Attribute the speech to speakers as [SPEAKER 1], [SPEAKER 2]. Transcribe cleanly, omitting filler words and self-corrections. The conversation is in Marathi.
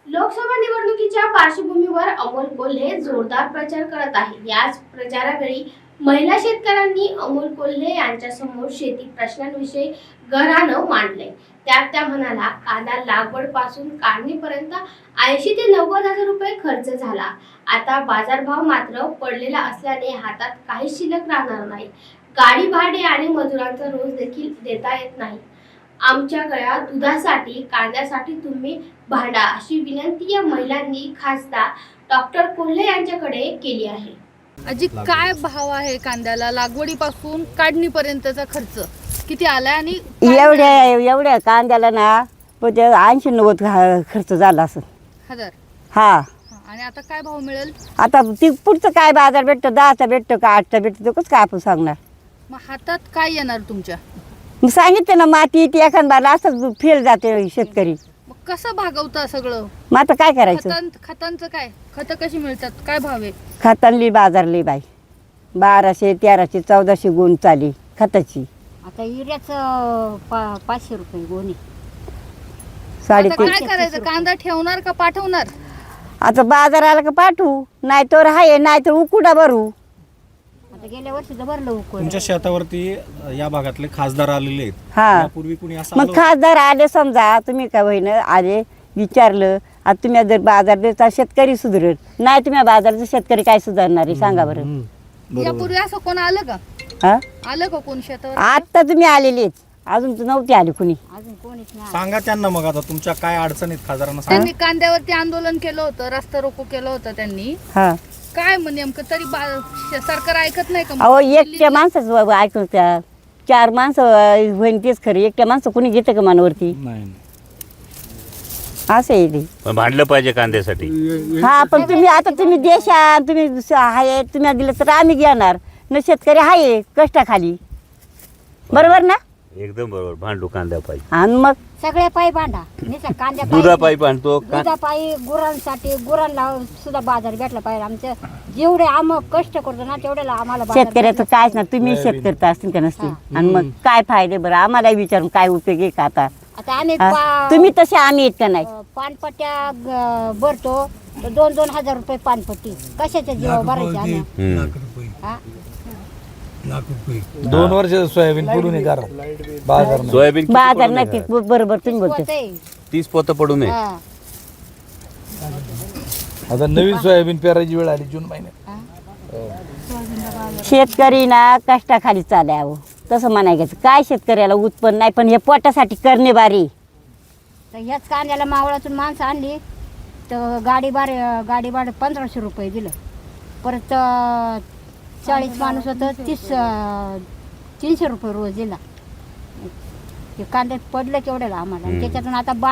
[SPEAKER 1] लोकसभा निवडणुकीच्या पार्श्वभूमीवर अमोल कोल्हे जोरदार प्रचार करत आहे। याच प्रचारावेळी महिला शेतकऱ्यांनी अमोल कोल्हे यांच्यासमोर शेती प्रश्नांविषयी गरानं मांडले। त्यात त्या म्हणाला, कांदा लागवड पासून काढणीपर्यंत 80 ते 90 हजार रुपये खर्च झाला। आता बाजारभाव मात्र पडलेला असल्याने हातात काही शिल्लक राहणार नाही। गाडी भाडे आणि मजुरांचा रोज देखील देता येत नाही। आमच्या गळ्यात दुधासाठी कांद्यासाठी तुम्ही भांडा, अशी विनंती या महिलांनी खासदार डॉक्टर कोल्हे यांच्याकडे केली आहे।
[SPEAKER 2] आजी, काय भाव आहे कांद्याला? लागवडीपासून काढणीपर्यंतचा खर्च किती आला? आणि
[SPEAKER 3] एवढ्या कांद्याला ना 80-90 खर्च झाला असं
[SPEAKER 2] हजार।
[SPEAKER 3] हा।
[SPEAKER 2] आणि आता काय भाव मिळेल?
[SPEAKER 3] आता ती पुढचं काय बाजार भेटतो, 10चा भेटतो का 8चा भेटतो, कसं काय आपण सांगणार?
[SPEAKER 2] मग हातात काय येणार तुमच्या?
[SPEAKER 3] मग सांगितलं ना, माती ती एखाद बारला असंच फेल जाते शेतकरी।
[SPEAKER 2] मग कसं भागवता सगळं?
[SPEAKER 3] मग आता काय करायचं?
[SPEAKER 2] खतांचं काय? खतं कशी मिळतात? काय भाव आहे?
[SPEAKER 3] खतांली बाजारली बाई 1200, 1300, 1400 गुण चाली खताची।
[SPEAKER 4] आता युरियाच 500 रुपये गोणी।
[SPEAKER 2] आता
[SPEAKER 3] 350।
[SPEAKER 2] काय करायचं? कांदा ठेवणार का पाठवणार?
[SPEAKER 3] आता बाजार आला का पाठवू, नाही तर आहे, नाही तर उकुडा भरू।
[SPEAKER 4] आता गेल्या वर्षी तर भरलं उकळ।
[SPEAKER 5] तुमच्या शेतावरती या भागातले खासदार आलेले आहेत,
[SPEAKER 3] हा।
[SPEAKER 5] यापूर्वी कुणी असं
[SPEAKER 3] मग
[SPEAKER 5] आलं
[SPEAKER 3] खासदार आले, समजा तुम्ही काय होईन आले, विचारलं, आता तुम्ही जर बाजार देता शेतकरी सुधारेल, नाही तुम्ही बाजारचा शेतकरी काय सुधारणार आहे सांगा बरं?
[SPEAKER 2] यापूर्वी असं कोण आलं का?
[SPEAKER 3] हा,
[SPEAKER 2] आलं का कोण शेतावर?
[SPEAKER 3] आता तुम्ही आलेलेच, अजून तर नव्हते आले कुणी।
[SPEAKER 4] अजून कोणीच नाही।
[SPEAKER 5] सांगा त्यांना, मग आता तुमच्या काय अडचणीत खासदारांना सांगा।
[SPEAKER 2] त्यांनी कांद्यावरती आंदोलन केलं होतं, रस्ता रोको केलं होतं त्यांनी।
[SPEAKER 3] हा,
[SPEAKER 2] काय मग नेमकं तरी सरकार ऐकत नाही का?
[SPEAKER 3] अहो एकट्या माणसाच ऐकून त्या 4 माणसं होईन तेच खरं, एकट्या माणसं कुणी घेतं का मनावरती?
[SPEAKER 5] नाही
[SPEAKER 3] असं आहे ते।
[SPEAKER 6] पण भांडलं पाहिजे कांद्यासाठी।
[SPEAKER 3] हा, पण तुम्ही आता तुम्ही देशा तुम्ही आहे, तुम्ही दिलं तर आम्ही घेणार न, शेतकरी आहे कष्टाखाली, बरोबर ना?
[SPEAKER 6] एकदम बरोबर, भांडू कांद्या पाहिजे।
[SPEAKER 3] आणि मग
[SPEAKER 4] सगळ्या पायी भांडा, नुसतं कांद्या
[SPEAKER 6] दुधा पायी भांडतो
[SPEAKER 4] दुधापायी, गुरांसाठी, गुरांना सुद्धा बाजार भेटला पाहिजे। आमच्या जेवढे आम्ही कष्ट करतो ना तेवढ्याला आम्हाला बाजार
[SPEAKER 3] शेतकऱ्याचं
[SPEAKER 4] भेटला
[SPEAKER 3] कायच ना, तुम्ही शेतकरी असतील का नसतील, आणि मग काय फायदे बरं? आम्हाला विचारून काय उपयोग आहे का आता?
[SPEAKER 4] आता आम्ही
[SPEAKER 3] हा? तुम्ही तसे आम्ही येत का नाही?
[SPEAKER 4] पानपट्ट्या भरतो तर 2-2 हजार रुपये पानपट्टी, कशाच्या जीवा भरायचे आम्ही? हा?
[SPEAKER 7] 2 वर्ष सोयाबीन पुरून बाजार नाही.
[SPEAKER 6] सोयाबीन
[SPEAKER 3] बाजार नक्की, बरोबर तुम्ही बोलतो।
[SPEAKER 4] होतंय.
[SPEAKER 6] 30 पोतं पडू नये।
[SPEAKER 4] हा.
[SPEAKER 7] आता नवीन सोयाबीन पेरायची वेळ आली जून महिन्यात।
[SPEAKER 3] शेतकरी ना कष्टाखाली चालावं, तसं म्हणायचं काय शेतकऱ्याला उत्पन्न नाही, पण हे पोटासाठी करणे बारी।
[SPEAKER 4] तर ह्याच कांद्याला मावळातून माणसं आणली तर गाडी भाडं 1500 रुपये दिलं। परत 40 माणूस होतं, 300 रुपये रोज दिला। ते कांद्यात पडलं केवढ्याला आम्हाला, आणि त्याच्यातून आता